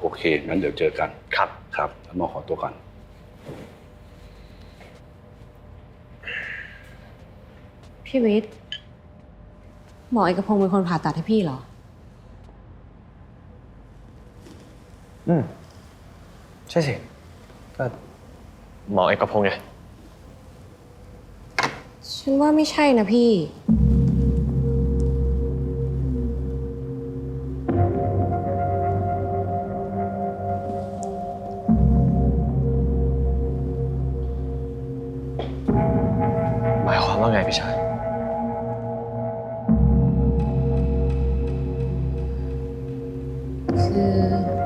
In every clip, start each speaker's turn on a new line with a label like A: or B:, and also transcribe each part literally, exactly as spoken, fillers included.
A: เคงั้นเดี๋ยวเจอกัน
B: ครับ
A: ครับแล้วหมอขอตัวก่อน
C: พี่วิทย์หมอเอกพงศ์เป็นคนผ่าตัดให้พี่เหรอ
B: อืมใช่สิก็หมอเอกพงศ์ไง
C: ฉันว่าไม่ใช่นะพี่
B: หมายความว่าไงพี่ชาย
C: คือ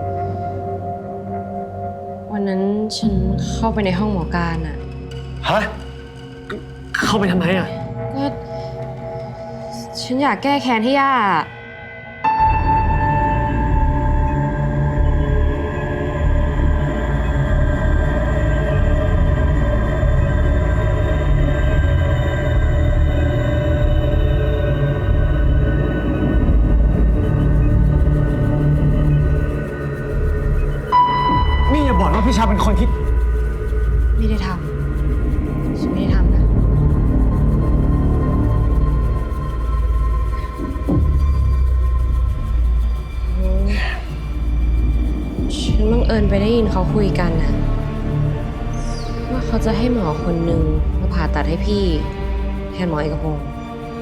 C: วันนั้นฉันเข้าไปในห้องหมอการอะ
B: ฮะเข้าไปทำไมอ่ะ
C: ก็ฉันอยากแก้แค้นให้ย่า
B: นี่อย่าบอกว่าพี่ชายเป็นคนที่
C: ไม่ได้ทำฉันไม่ได้ทำนะฉันบังเอิญไปได้ยินเขาคุยกันนะว่าเขาจะให้หมอคนหนึ่งมาผ่าตัดให้พี่แทนหมอเอกพงศ์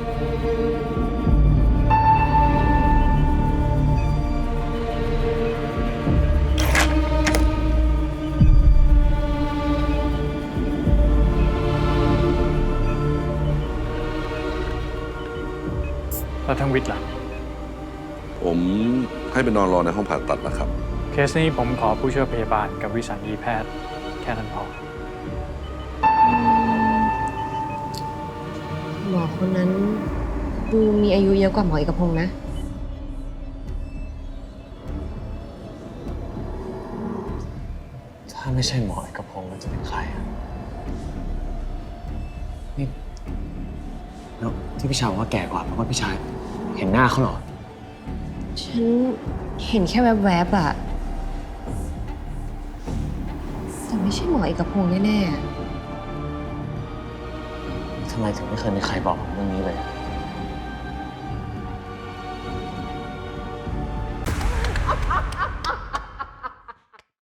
D: แล้วทั้งวิทย์ล่ะ
A: ผมให้ไปนอนรอในห้องผ่าตัดนะครับ
D: เคสนี้ผมขอผู้ช่วยพยาบาลกับวิสัญญีแพทย์แค่นั้นพอ
C: หมอคนนั้นดูมีอายุเยอะกว่าหมอเอกพงศ์นะ
B: ถ้าไม่ใช่หมอเอกพงศ์แล้วจะเป็นใครอ่ะนี่แล้วที่พี่ชายบอกว่าแก่กว่าเพราะว่าพี่ชายเห็นหน้าเขาเหรอ
C: ฉันเห็นแค่แวบๆอะแต่ไม่ใช่หมอเอกพงศ์แน่
B: ทำไมถึงไม่เคยมีใครบอกผมเรื่องนี้เลย